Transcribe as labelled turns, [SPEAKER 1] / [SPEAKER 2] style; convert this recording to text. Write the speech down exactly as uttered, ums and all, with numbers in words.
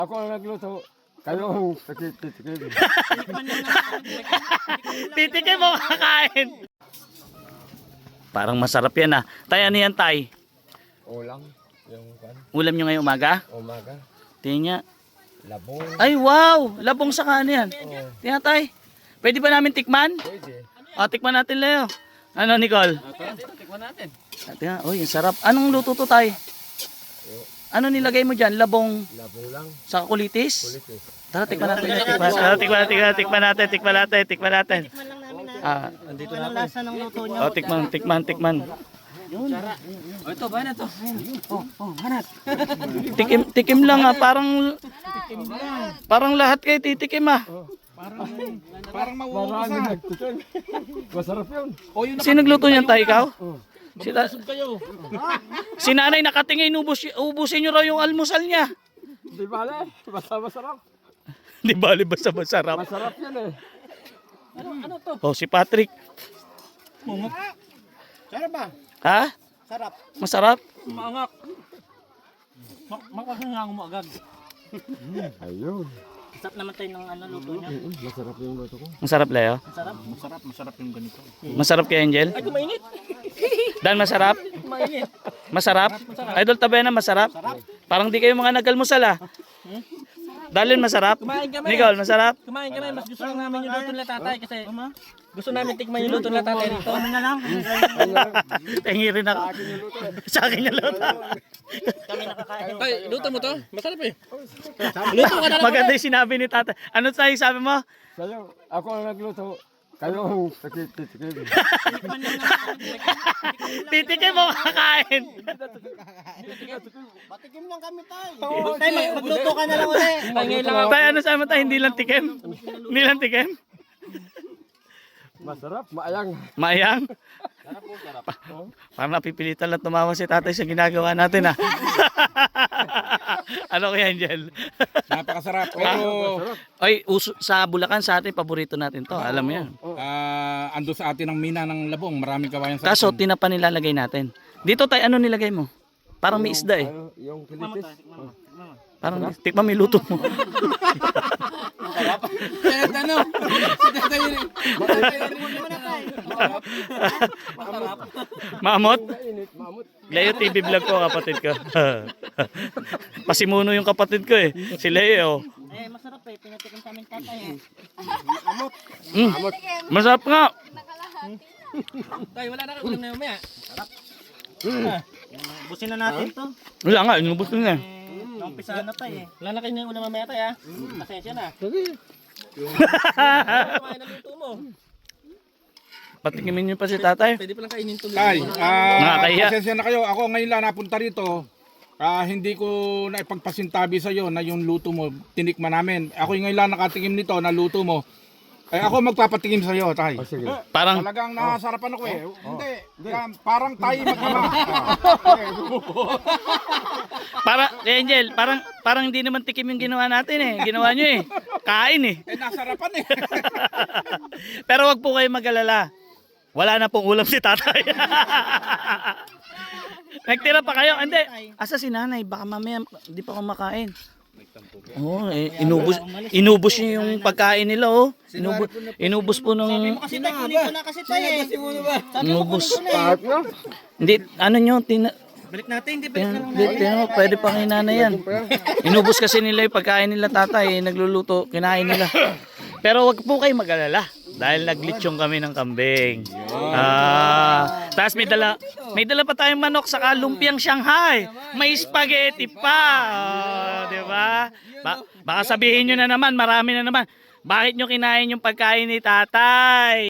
[SPEAKER 1] Ako ang nagluto. Kayo ang titikim.
[SPEAKER 2] Titikim mo kakain. Parang masarap yan ah. Tay, ano yan tay?
[SPEAKER 1] Ulam. Yung kan.
[SPEAKER 2] Ulam nyo ngayong umaga?
[SPEAKER 1] Umaga.
[SPEAKER 2] Tingnan niya.
[SPEAKER 1] Labong.
[SPEAKER 2] Ay wow! Labong sa kanin yan.
[SPEAKER 1] Oh.
[SPEAKER 2] Tingnan tay. Pwede ba namin tikman?
[SPEAKER 1] Pwede.
[SPEAKER 2] O, tikman natin Leo. Ano Nicole?
[SPEAKER 1] Tikman natin.
[SPEAKER 2] Ah, tingnan. Uy, ang sarap. Anong luto to tay? Ano nilagay mo dyan? Labong
[SPEAKER 1] Labong lang.
[SPEAKER 2] sa kulitis?
[SPEAKER 1] Kulit eh.
[SPEAKER 2] Tara, tikman natin. Tikman, tara, tikman, tikman, tikman natin. Tikman natin. Tikman natin.
[SPEAKER 3] Tikman lang namin na.
[SPEAKER 2] Ah,
[SPEAKER 3] Kung anong lasa ng luto niyo.
[SPEAKER 2] oh, tikman, tikman, tikman.
[SPEAKER 3] Oh, ito, ba na to? Oh, oh, hanat.
[SPEAKER 2] Tikim, tikim lang ah. Parang, parang lahat kayo titikim ah.
[SPEAKER 1] Parang mauubos na. Masarap yun.
[SPEAKER 2] Sino nagluto niyan tayo, ikaw?
[SPEAKER 1] Oh.
[SPEAKER 2] Si, ta- si nanay nakatingin, ubus, ubusin nyo raw yung almusal niya.
[SPEAKER 1] Di ba basta masarap.
[SPEAKER 2] Di bali basta masarap.
[SPEAKER 1] Masarap yan eh.
[SPEAKER 2] Oh, si Patrick.
[SPEAKER 3] Sarap ba?
[SPEAKER 2] Ha?
[SPEAKER 3] Sarap.
[SPEAKER 2] Masarap?
[SPEAKER 3] Maangak. Makakangang mo agad.
[SPEAKER 1] Ayun.
[SPEAKER 3] Sarap naman tayo ng ano, luto niya.
[SPEAKER 1] Mm, Masarap yung luto ko.
[SPEAKER 2] Masarap, Leo?
[SPEAKER 3] Masarap. Masarap, masarap yung ganito.
[SPEAKER 2] Masarap kay Angel?
[SPEAKER 3] Ay, kumainit.
[SPEAKER 2] Dan, masarap?
[SPEAKER 3] Kumainit.
[SPEAKER 2] Masarap? Idol Tabena, masarap? Parang di kayo mga nag-almusal ah. Dalin, masarap?
[SPEAKER 3] Kumain kami.
[SPEAKER 2] Nicole, masarap?
[SPEAKER 3] Kumain kami. Mas gusto lang namin yung luto nila tatay kasi gusto namin tikman yung luto nila tatay dito. Ano na lang?
[SPEAKER 2] Tingi rin ako. Sa akin yung luto.
[SPEAKER 3] Kami nakakain.
[SPEAKER 4] Tay, luto mo to? Masarap eh.
[SPEAKER 3] Luto ka na lang.
[SPEAKER 2] Maganda yung sinabi ni tata. Ano tayo sabi mo?
[SPEAKER 1] Sa'yo, ako ang nagluto. Kayo ang titikim.
[SPEAKER 2] Titikim mo kakain.
[SPEAKER 3] Patikim lang kami tayo. Tay, magluto ka na lang ulit.
[SPEAKER 4] Tay, lang ako.
[SPEAKER 2] Tayo, ano sabi mo tayo? Hindi lang tikim? Hindi lang tikim?
[SPEAKER 1] Masarap, maayang.
[SPEAKER 2] Mayang? Pa- parang napipilitan lang tumawa si tatay sa ginagawa natin ah. Ano kaya Angel?
[SPEAKER 4] Napakasarap. Pero
[SPEAKER 2] Oy, uso, sa Bulacan sa atin, paborito natin to. Alam mo yan.
[SPEAKER 4] ah, ando sa atin ang mina ng labong. Maraming kawayan sa
[SPEAKER 2] Kaso,
[SPEAKER 4] atin.
[SPEAKER 2] tinapa nilalagay natin. Dito tayo, ano nilagay mo? Parang may isda eh.
[SPEAKER 1] Ano, yung kilitis.
[SPEAKER 2] Parang, tikman mo yung luto mo.
[SPEAKER 4] Kaya ano?
[SPEAKER 2] Maamot?
[SPEAKER 1] Mainit, mamut.
[SPEAKER 2] Leo T V vlog ko, kapatid ko. Pasimuno yung kapatid ko eh. Si Leo.
[SPEAKER 3] Eh, masarap eh. Pinatikim sa amin tatay eh.
[SPEAKER 2] Mm. Masarap nga.
[SPEAKER 4] Tay, wala na kayo na umaya.
[SPEAKER 3] Busin na natin to.
[SPEAKER 2] Wala nga, inubos ko na eh.
[SPEAKER 3] Eh, Naumpisahan na tayo eh. Wala na kayo na yung ulam mamaya tayo ah. Pasensya na. Kumain na luto mo.
[SPEAKER 2] Patikimin niyo pa si tatay.
[SPEAKER 3] Pwede pa lang kainin to.
[SPEAKER 4] Tay, ah,
[SPEAKER 2] Nakakahiya.
[SPEAKER 4] pasensya na kayo. Ako ngayon lang napunta rito. Ah, hindi ko na ipagpasintabi sa iyo na yung luto mo tinikman namin. Ako ngayon lang nakatikim nito na luto mo. Eh ako magpapatikim sa iyo, tay.
[SPEAKER 1] O sige.
[SPEAKER 2] Parang,
[SPEAKER 4] Talagang nasarapan ako eh. Hindi, ah, parang tayo magkama.
[SPEAKER 2] para, eh, Angel, parang, parang hindi naman tikim yung ginawa natin eh. Ginawa niyo eh. Kain eh.
[SPEAKER 4] Eh nasarapan eh.
[SPEAKER 2] Pero wag po kayo mag-alala. Wala na pong ulam si tatay. Nagtira pa kayo? Hindi. Asa si nanay? Baka mamaya hindi pa kumakain. Oh, eh, inubos, inubos niyo yung pagkain nila oh. Inubos, inubos po nung,
[SPEAKER 3] Kasi tayo, kunin ko na kasi tayo eh.
[SPEAKER 2] inubos.
[SPEAKER 1] Kahit na.
[SPEAKER 2] Hindi, ano nyo, tina,
[SPEAKER 3] Balik natin, hindi balik na lang
[SPEAKER 2] Hindi, tingnan mo, pwede pa kay nanay yan. Inubos kasi nila yung pagkain nila tatay, eh, nagluluto, kinain nila. Pero wag po kayo mag-alala dahil naglitsong kami ng kambing. Ah, tapos may dala, may dala pa tayong manok sa lumpiang Shanghai. May spaghetti pa. Oh, di ba? Ba- baka sabihin nyo na naman, marami na naman. Bakit nyo kinain yung pagkain ni tatay?